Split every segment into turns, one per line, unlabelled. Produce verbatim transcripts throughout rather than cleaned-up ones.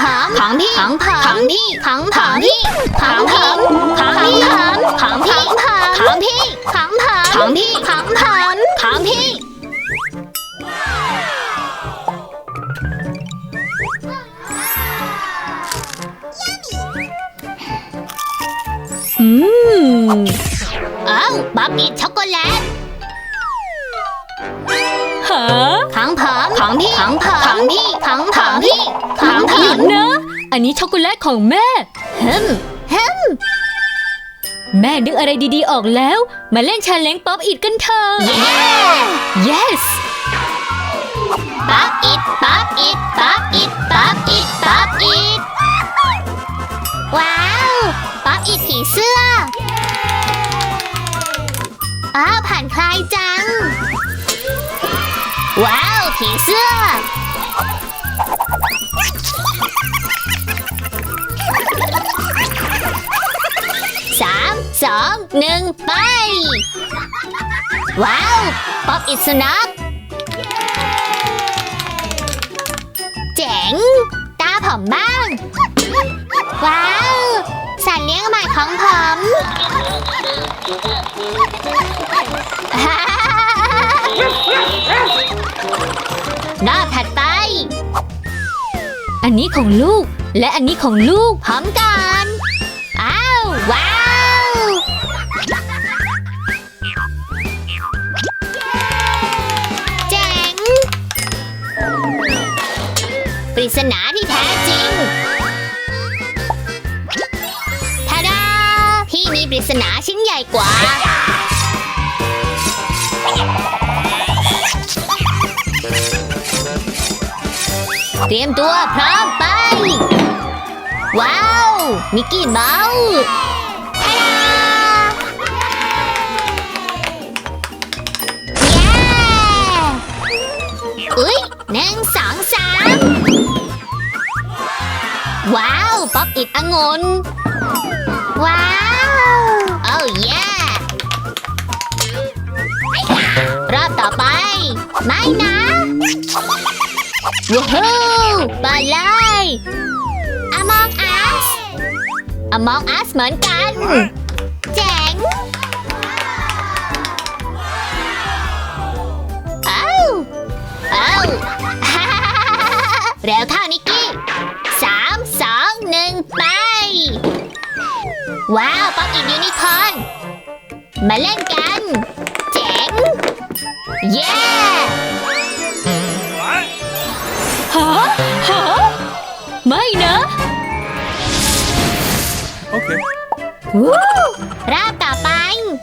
ผมของพี่ของผมของพี่ของผมพี่ของผมของพี่ของพี่ของพี่ของผมของพี่ของผมของพี่
อืม
เอ้าบ๊อบอิทช็อกโกแลต
ฮะ
ของผมของพี่ของผมของพี่ของผมพี่ของผ
หยุ
ม
ดนะ อันนี้ช็อกโกแลตของแม่
ฮึมฮึม
แม่นึกอะไรดีๆออกแล้ว มาเล่นชาเลนจ์ป๊อปอิทกันเถอะ
เย้
yes
ป๊อปอิทป๊อปอิทป๊อปอิทป๊อปอิทป๊อปอิทว้าวป๊อปอิทผีเสื้ออ้าวผ่านคลายจังว้าวผีเสื้อสามสองหนึ่งไปว้าวป๊อปอิทสุนัขเจ๋งตาผมบ้างว้าวสัตว์เลี้ยงใหม่ของผม รอบถัดไป
อันนี้ของลูก และอันนี้ของลูก
พร้อมกันอ้าวว้าวเจ๋งปริศนาที่แท้จริงทาดาพี่มีปริศนาชิ้นใหญ่กว่าเตรียมตัวพร้อมไปว้าวมิกกี้เมาส์ทาดาเย้อุ๊ยหนึ่งสองสามว้าวป๊อปอิดองุ่นว้าวโอ้เย้รอบต่อไปไม่นะว้าวไปเลย Among Us Among Us เหมือนกันเจ๋งเอ้าเอ้า เร็วเท่านิกกี้สามสองหนึ่งไปว้าวป๊อปอินยูนิคอร์นมาเล่นกันเจ๋งเย้
ฮะ ฮะ ไม่นะ
Okay.
วู้
รอบต่อไป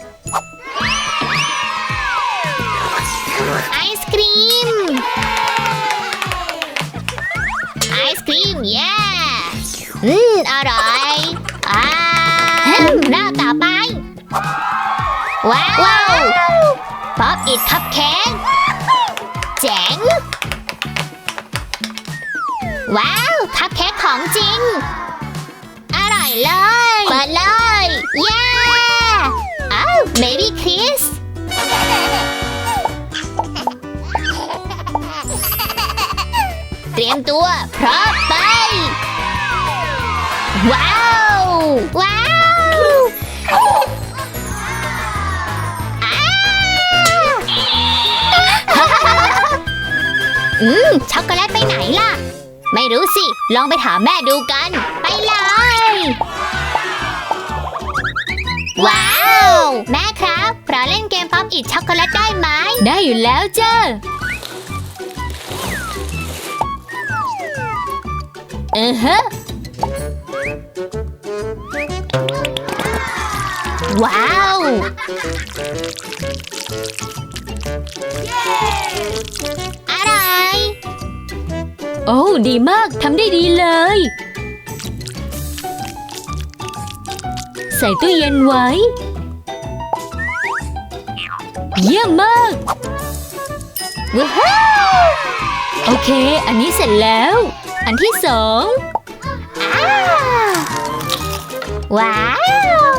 ไอศครีมไอศครีมเย้อืมอร่อยอ่ารอบต่อไปว้าวป๊อปอิทคัพเค้กเจ๋งว้าวคัพเค้กของจริงอร่อยเลยเปิดเลยเย้อ้าวเบบี้คริสเตรียมตัวพร้อมไปว้าวว้าวอ้าอืมช็อกโกแลตไปไหนล่ะไม่รู้สิลองไปถามแม่ดูกันไปเลยว้าวแม่ครับเราเล่นเกมป๊อปอิทช็อกโกแลตได้ไหม
ได้อยู่แล้วจ้า
เออฮะว้าวอะไร
โอ้ ดีมาก ทำได้ดีเลย ใส่ตู้เย็นไว้ เยี่ยมมาก
ว้าว
โอเค อันนี้เสร็จแล้ว อันที่สอง
อ้าวว้าว